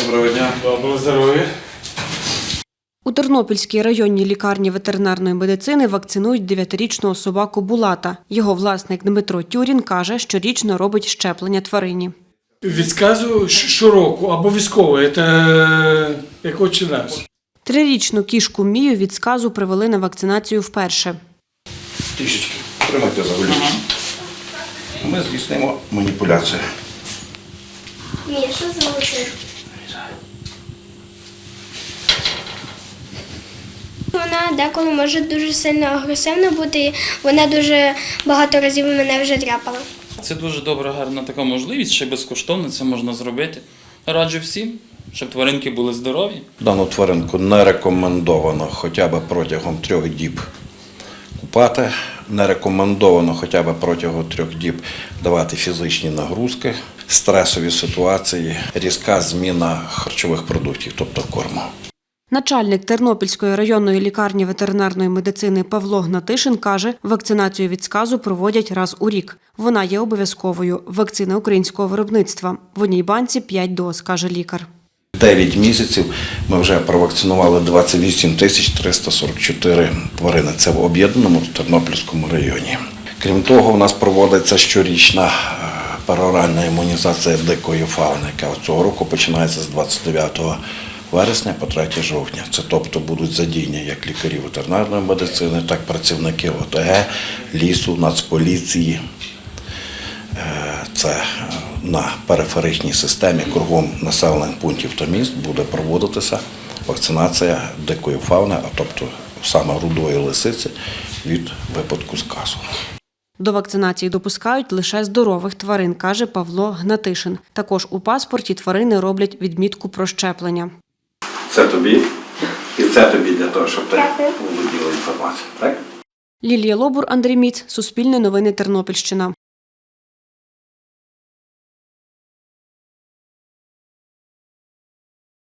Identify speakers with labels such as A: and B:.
A: Доброго дня.
B: Доброго здоров'я.
C: У Тернопільській районній лікарні ветеринарної медицини вакцинують 9-річного собаку Булата. Його власник Дмитро Тюрін каже, щорічно робить щеплення тварині.
B: Від сказу щороку, обов'язково, це як отче наш.
C: 3-річну кішку Мію від сказу привели на вакцинацію вперше.
A: Трішечки. Тримайте за голівку. Ми здійснимо маніпуляцію.
D: Мія, що за лице? Вона деколи може дуже сильно агресивна бути, вона дуже багато разів мене вже дряпала.
E: Це дуже добра, гарна така можливість, ще безкоштовно це можна зробити. Раджу всім, щоб тваринки були здорові.
A: Дану тваринку не рекомендовано хоча б протягом 3 діб купати. Не рекомендовано хоча б протягом 3 діб давати фізичні нагрузки, стресові ситуації, різка зміна харчових продуктів, тобто корму.
C: Начальник Тернопільської районної лікарні ветеринарної медицини Павло Гнатишин каже, вакцинацію від сказу проводять раз у рік. Вона є обов'язковою. Вакцина українського виробництва. В одній банці 5 доз, каже лікар.
A: 9 місяців ми вже провакцинували 28 344 тварини. Це в об'єднаному Тернопільському районі. Крім того, у нас проводиться щорічна пероральна імунізація дикої фауни, яка цього року починається з 29 вересня по 3 жовтня. Це тобто будуть задіяні як лікарі ветеринарної медицини, так і працівники ОТГ, лісу, Нацполіції. Це на периферичній системі кругом населених пунктів та міст буде проводитися вакцинація дикої фауни, а тобто саме рудої лисиці від випадку сказу.
C: До вакцинації допускають лише здорових тварин, каже Павло Гнатишин. Також у паспорті тварини роблять відмітку про щеплення.
A: Це тобі і це тобі для того, щоб ти володіла інформацією. Так?
C: Лілія Лобур, Андрій Міц, Суспільне новини, Тернопільщина.